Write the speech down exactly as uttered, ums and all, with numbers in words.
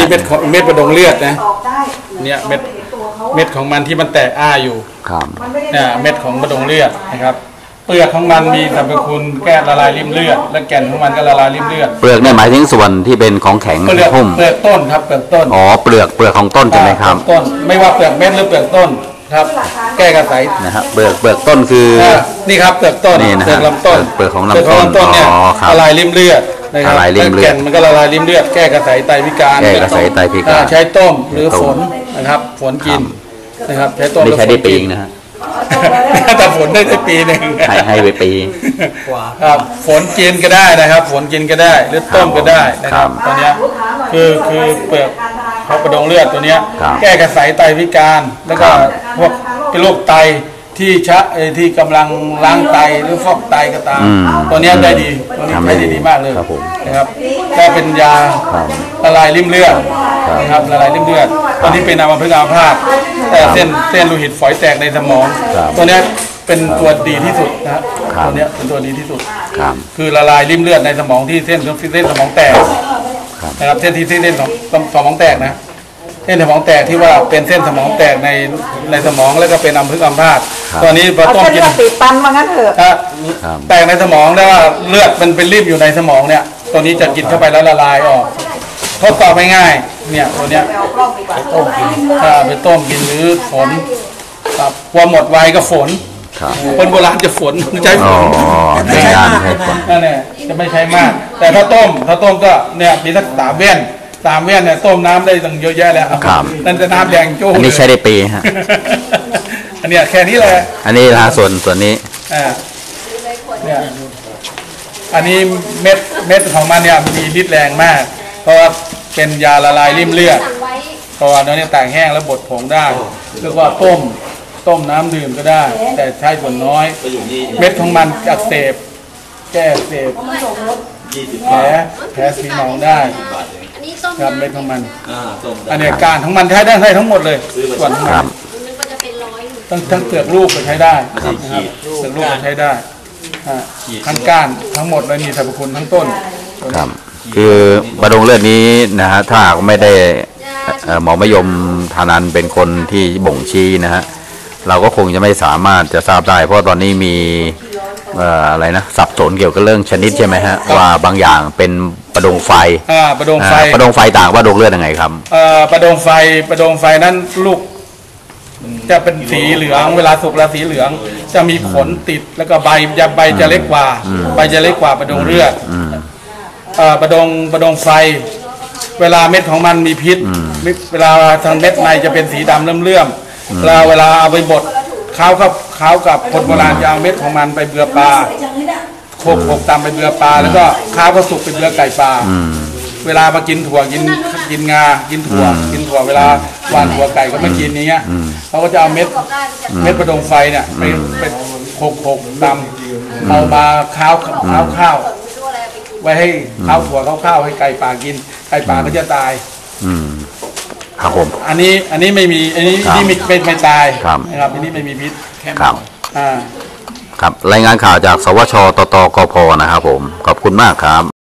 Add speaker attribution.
Speaker 1: เม็ดของเม็ดประดงเลือดนะเนี่ยเม็ดเม็ดของมันที่มันแตกอ้าอยู่
Speaker 2: ครับ
Speaker 1: เนี่ยเม็ดของประดงเลือดนะครับเปลือกของมันมีสรรพคุณแก้ละลายริ่มเลือดและแก่นของมันก็ละลายริ่มเลือด
Speaker 2: เปลือกเนี่ยหมายถึงส่วนที่เป็นของแข็ง
Speaker 1: เปลือกเปลือกต้นครับเปลือกต้น
Speaker 2: อ๋อเปลือกเปลือกของต้นใช่ไหมครับ
Speaker 1: ต้นไม่ว่าเปลือกเม็ดหรือเปลือกต้นครับแก้กระสาย
Speaker 2: นะครับเปลือกเปลือกต้นคือ
Speaker 1: นี่ครับเปลือกต้นเปลือกลำต้น
Speaker 2: เปลือกของลำต้น
Speaker 1: เนี่ยละลายริ่มเลือด
Speaker 2: ละลายริ่มเลือด
Speaker 1: มันก็ละลายริ่มเลือดแก้กระสายไตพิการ
Speaker 2: แก้กระสายไตพิการ
Speaker 1: ใช้ต้มหรือฝนนะครับฝนกินนะครับใช้ต้ม
Speaker 2: ไม่ใช้ได้ปีนะฮะ
Speaker 1: แต่ฝนได้ได้ปีหนึ่ง
Speaker 2: ให้ให้ไปปี
Speaker 1: ครับฝนกินก็ได้นะครับฝนกินก็ได้หรือต้มก็ได้นะครับตัวเนี้ยคือคือเปลือกเขาประดงเลือดตัวเนี้ยแก้กระสายไตพิการแล้วก็พวกเป็นโรคไตที่ชะที่กำลังล้างไตหรือฟอกไตก็ตามตัวนี้ได้ดีตัวนี้ใช้ได้ดีมากเลยนะครับได้เป็นยาละลายริ่มเลือดนะครับละลายริ่มเลือดตอนนี้เป็นอัมพฤกษ์อัมพาตแต่เส้นเส้นโลหิตฝอยแตกในสมองตัวนี้เป็นตัวดีที่สุดนะตัวนี้เป็นตัวดีที่สุดคือละลายริ่มเลือดในสมองที่เส้นเส้นสมองแตกนะครับเส้นที่เส้นของสมองแตกนะเส้นสมองแตกที่ว่าเป็นเส้นสมองแตกในในสมองแล้วก็เป็นอัมพฤกษ์อัมพาตตอนนี้พอต้มกิน
Speaker 3: ติดตันมางั้นเถอะ
Speaker 1: แตกในสมองได้ว่าเลือดมันเป็นริ่มอยู่ในสมองเนี่ยตัวนี้จะกินเข้าไปแล้วละลายออกทดสอบง่ายๆเนี่ยตัวเนี้ยไปต้มกินถ้าไปต้มกินหรือฝนครับพอหมดไวก็ฝนคนโบราณจะฝนใช้ฝน
Speaker 2: ไม่ใช่มาก
Speaker 1: นั่นแหละจะไม่ใช้มากแต่ถ้าต้มถ้าต้มก็เนี่ยมีสักสามเว้นสามเว้นเนี่ยต้มน้ำได้ตั้งเยอะแยะแล้วนั่นจะน้ำแดงโจ้
Speaker 2: อันนี้ใช้ได้ปีฮะ
Speaker 1: อันนี้แค่นี้เลย
Speaker 2: อันนี้นะส่วนส่วนนี้
Speaker 1: อ่าเนี่ยอันนี้เม็ดเม็ดของมันเนี่ยมีฤทธิ์แรงมากเพราะว่าเป็นยาละลายริ่มเลือดเพราะว่าเนื้อเนี่ยแตกแห้งแล้วบดผงได้เรียกว่าต้มต้มน้ำดื่มก็ได้แต่ใช้ส่วนน้อยเม็ดของมันอักเสบแก้อักเสบแผลแผลสีหนองได้ครับเม็ดของมันอันนี้การของมันใช้ได้ทั้งหมดเลยส่วนของมันทั้งทั้งเปลือกลูกก็ใช้ได้นะครับเปลือกลูกก็ใช้ได้ทั้งก้านทั้งหมดเลยมีสรรพคุณทั้งต้น
Speaker 2: ครับคือบะดงเลือดนี้นะฮะถ้าไม่ได้หมอมยมทานันเป็นคนที่บ่งชี้นะฮะเราก็คงจะไม่สามารถจะทราบได้เพราะตอนนี้มีอะไรนะสับสนเกี่ยวกับเรื่องชนิดใช่ไหมฮะว่าบางอย่างเป็นประดงไฟ
Speaker 1: ประดงไฟ
Speaker 2: ประดงไฟต่างประดงเลือดยังไงครับ
Speaker 1: ประดงไฟประดงไฟนั้นลูกจะเป็นสีเหลืองเวลาสุกแล้วสีเหลืองจะมีขนติดแล้วก็ใบจะใบจะเล็กกว่าใบจะเล็กกว่าประดงเลือดประดงประดงไฟเวลาเม็ดของมันมีพิษเวลาทางเม็ดในจะเป็นสีดำเลื่อมๆเวลาเวลาเอาไปบดข้าวกับข้าวกับคนโบราณจะเอาเม็ดของมันไปเบือปลาโขกโขกตามไปเบือปลาแล้วก็ข้าวก็สุกเป็นเบือไก่ปลาเวลามากินถั่วกินกินงากินถั่วกินถั่วเวลาหวานถั่วไก่ก็ไม่กินนี้เงี้ยเขาก็จะเอาเม็ดเม็ดประดงไฟเนี่ยไปไปโขกโขกตามเอามาข้าวข้าวข้าวไว้ให้ข้าวถั่วข้าวให้ไก่ป่ากินไก่ป่าก็จะตาย
Speaker 2: อืมครับผม
Speaker 1: อันนี้อันนี้ไม่มีอันนี้นี่ไม่ไม่ไม่ตายนะครับอันนี้ไม่มีพิษ
Speaker 2: ครับ
Speaker 1: อ่า
Speaker 2: ครับรายงานข่าวจากสวชตตกพนะครับผมขอบคุณมากครับ